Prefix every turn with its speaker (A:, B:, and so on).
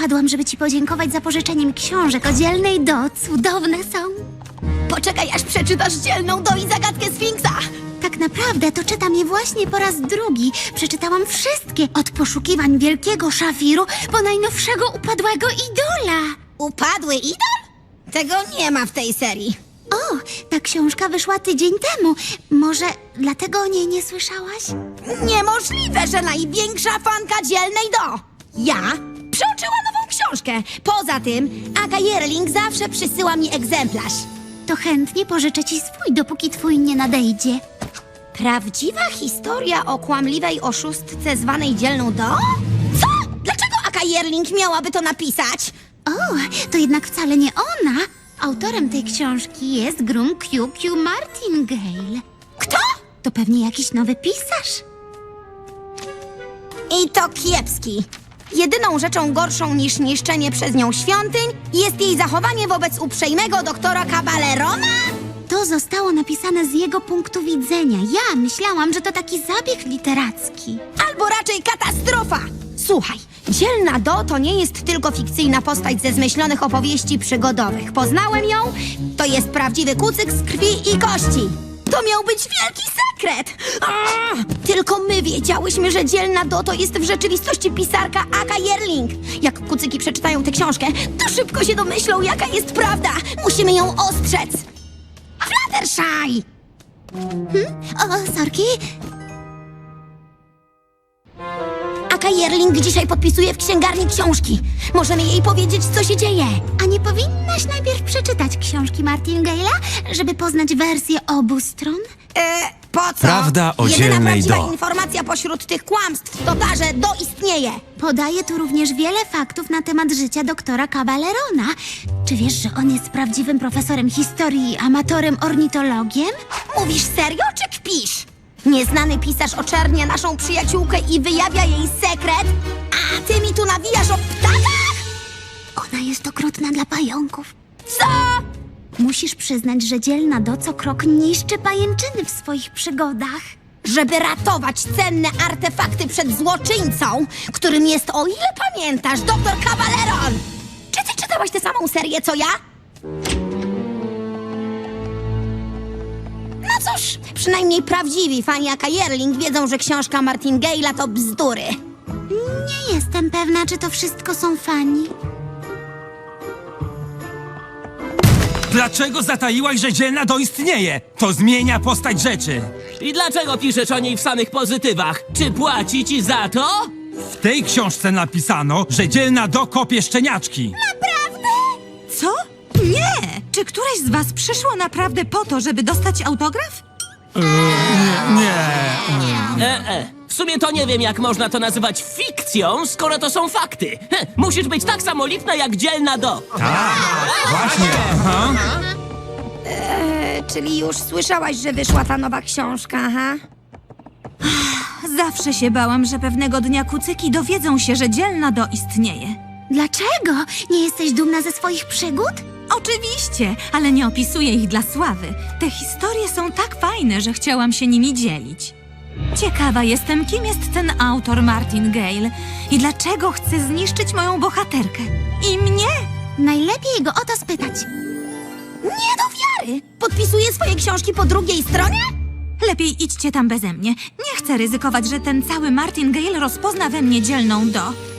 A: Wpadłam, żeby ci podziękować za pożyczenie mi książek o Dzielnej Do. Cudowne są.
B: Poczekaj, aż przeczytasz Dzielną Do i zagadkę Sfinksa.
A: Tak naprawdę to czytam je właśnie po raz drugi. Przeczytałam wszystkie, od poszukiwań wielkiego szafiru po najnowszego upadłego idola.
B: Upadły idol? Tego nie ma w tej serii.
A: O, ta książka wyszła tydzień temu. Może dlatego o niej nie słyszałaś?
B: Niemożliwe, że największa fanka Dzielnej Do. Ja przeoczyła nową książkę. Poza tym, Aga Jerling zawsze przysyła mi egzemplarz.
A: To chętnie pożyczę ci swój, dopóki twój nie nadejdzie.
B: Prawdziwa historia o kłamliwej oszustce zwanej Dzielną Do? Co? Dlaczego Aga Jerling miałaby to napisać?
A: O, to jednak wcale nie ona. Autorem tej książki jest Grum Q.Q. Martingale.
B: Kto?
A: To pewnie jakiś nowy pisarz.
B: I to kiepski. Jedyną rzeczą gorszą niż niszczenie przez nią świątyń jest jej zachowanie wobec uprzejmego doktora Caballerona?
A: To zostało napisane z jego punktu widzenia. Ja myślałam, że to taki zabieg literacki.
B: Albo raczej katastrofa! Słuchaj, Dzielna Do to nie jest tylko fikcyjna postać ze zmyślonych opowieści przygodowych. Poznałem ją, to jest prawdziwy kucyk z krwi i kości. To miał być wielki sekret! Tylko my wiedziałyśmy, że Dzielna Do to jest w rzeczywistości pisarka Aga Jerling. Jak kucyki przeczytają tę książkę, to szybko się domyślą, jaka jest prawda. Musimy ją ostrzec. Fluttershy!
A: O, sorki.
B: Aga Jerling dzisiaj podpisuje w księgarni książki. Możemy jej powiedzieć, co się dzieje.
A: A nie powinnaś najpierw przeczytać książki Martingale'a, żeby poznać wersję obu stron?
B: Po co?
C: Prawda o
B: Jedyna
C: Dzielnej
B: prawdziwa
C: Do.
B: informacja pośród tych kłamstw to ta, że Do istnieje.
A: Podaje tu również wiele faktów na temat życia doktora Caballerona. Czy wiesz, że on jest prawdziwym profesorem historii i amatorem ornitologiem?
B: Mówisz serio, czy kpisz? Nieznany pisarz oczernia naszą przyjaciółkę i wyjawia jej sekret, a ty mi tu nawijasz o ptakach?
A: Ona jest okrutna dla pająków.
B: Co?
A: Musisz przyznać, że Dzielna Do co krok niszczy pajęczyny w swoich przygodach.
B: Żeby ratować cenne artefakty przed złoczyńcą, którym jest, o ile pamiętasz, doktor Caballeron. Czy ty czytałaś tę samą serię, co ja? No cóż, przynajmniej prawdziwi fani Aga Jerling wiedzą, że książka Martingale'a to bzdury.
A: Nie jestem pewna, czy to wszystko są fani.
C: Dlaczego zataiłaś, że Dzielna Do istnieje? To zmienia postać rzeczy.
D: I dlaczego piszesz o niej w samych pozytywach? Czy płaci ci za to?
C: W tej książce napisano, że Dzielna Do kopie szczeniaczki.
E: Co? Nie! Czy któreś z was przyszło naprawdę po to, żeby dostać autograf?
D: W sumie to nie wiem, jak można to nazywać fikcją, skoro to są fakty. Musisz być tak samo lipna jak Dzielna Do.
C: Właśnie. Aha.
B: Czyli już słyszałaś, że wyszła ta nowa książka, aha?
E: Zawsze się bałam, że pewnego dnia kucyki dowiedzą się, że Dzielna Do istnieje.
A: Dlaczego? Nie jesteś dumna ze swoich przygód?
E: Oczywiście, ale nie opisuję ich dla sławy. Te historie są tak fajne, że chciałam się nimi dzielić. Ciekawa jestem, kim jest ten autor Martingale i dlaczego chce zniszczyć moją bohaterkę. I mnie!
A: Najlepiej go o to spytać.
B: Nie do wiary! Podpisuje swoje książki po drugiej stronie?
E: Lepiej idźcie tam beze mnie. Nie chcę ryzykować, że ten cały Martingale rozpozna we mnie Dzielną Do.